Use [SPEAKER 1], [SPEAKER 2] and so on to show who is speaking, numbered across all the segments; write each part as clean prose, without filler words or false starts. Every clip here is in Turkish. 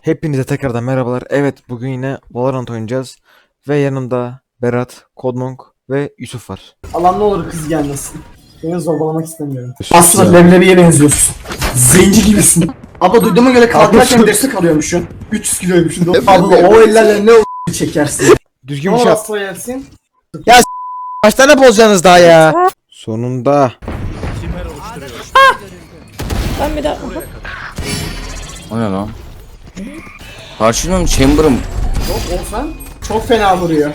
[SPEAKER 1] Hepinize tekrardan merhabalar. Evet, bugün yine Valorant oynayacağız. Ve yanımda Berat, Kodmonk ve Yusuf var.
[SPEAKER 2] Allah ne olur kız gelmesin. Beni zorbalamak istemiyorum.
[SPEAKER 1] Sus
[SPEAKER 2] Aslında
[SPEAKER 1] ya.
[SPEAKER 2] leblebiye benziyorsun. Zenci gibisin. Abla duyduğuma göre kalkarken destek alıyormuşsun. 300 kiloymuşsun. Abla o ellerle ne o çekersin.
[SPEAKER 1] Düzgün
[SPEAKER 2] Ne
[SPEAKER 1] bir
[SPEAKER 2] olur
[SPEAKER 1] şey.
[SPEAKER 2] asla gelsin.
[SPEAKER 1] Kaç tane bozacaksınız daha ya? Sonunda.
[SPEAKER 3] Ben bir daha...
[SPEAKER 4] O ne lan? Karşılığım Chamber'ım.
[SPEAKER 2] Yok olsan çok fena vuruyor.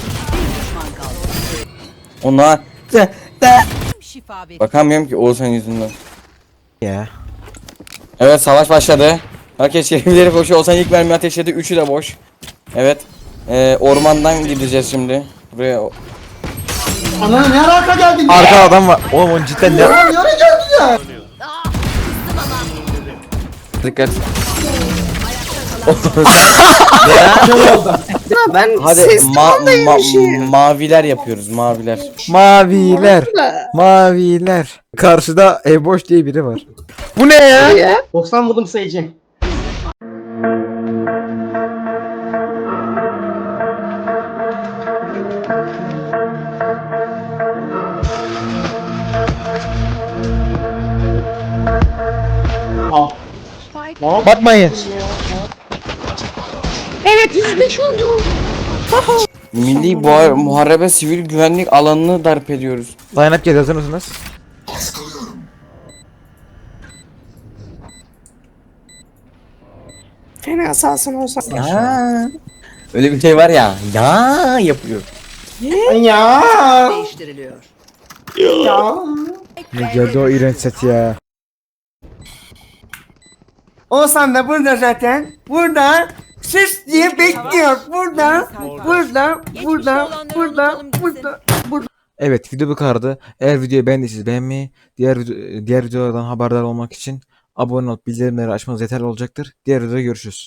[SPEAKER 4] Ona bakamıyorum ki Oğuzhan yüzünden.
[SPEAKER 1] Ya.
[SPEAKER 4] Evet, savaş başladı. Herkes şerifleri koşuyor. Oğuzhan ilk mermi ateşledi. Üçü de boş. Evet. Ormandan gideceğiz şimdi. Buraya.
[SPEAKER 2] Ananı ne alaka geldin ya?
[SPEAKER 1] Arka adam var. Oğlum o cidden ne?
[SPEAKER 2] Nereye geldin ya?
[SPEAKER 4] Dikkat.
[SPEAKER 3] Ben
[SPEAKER 4] Hadi
[SPEAKER 3] ses tonundaymışım.
[SPEAKER 4] maviler yapıyoruz. Maviler.
[SPEAKER 1] Maviler. Maviler. Karşıda Eboş diye biri var. Bu ne ya?
[SPEAKER 2] 90 vurdum sayıcı. Al.
[SPEAKER 1] Bakmayın.
[SPEAKER 3] Evet 105 oldu.
[SPEAKER 4] Milli Muharebe sivil güvenlik alanını darp ediyoruz.
[SPEAKER 1] Line-up geliyor, hazır mısınız?
[SPEAKER 3] Fena salsın olsa.
[SPEAKER 4] Ya. Öyle bir şey var ya. Ya yapıyor.
[SPEAKER 2] Ya.
[SPEAKER 5] değiştiriliyor.
[SPEAKER 2] Ya.
[SPEAKER 1] Ne geldi o iğrenç set ya.
[SPEAKER 6] Oğuzhan da burada zaten. Burada sus diye bekliyor. Burada, burada, burada, burada, burada.
[SPEAKER 1] Evet, video bu kadardı. Eğer videoyu beğendiyseniz beğenmeyi, diğer videolardan haberdar olmak için abone olup bildirimleri açmanız yeterli olacaktır. Diğer videoda görüşürüz.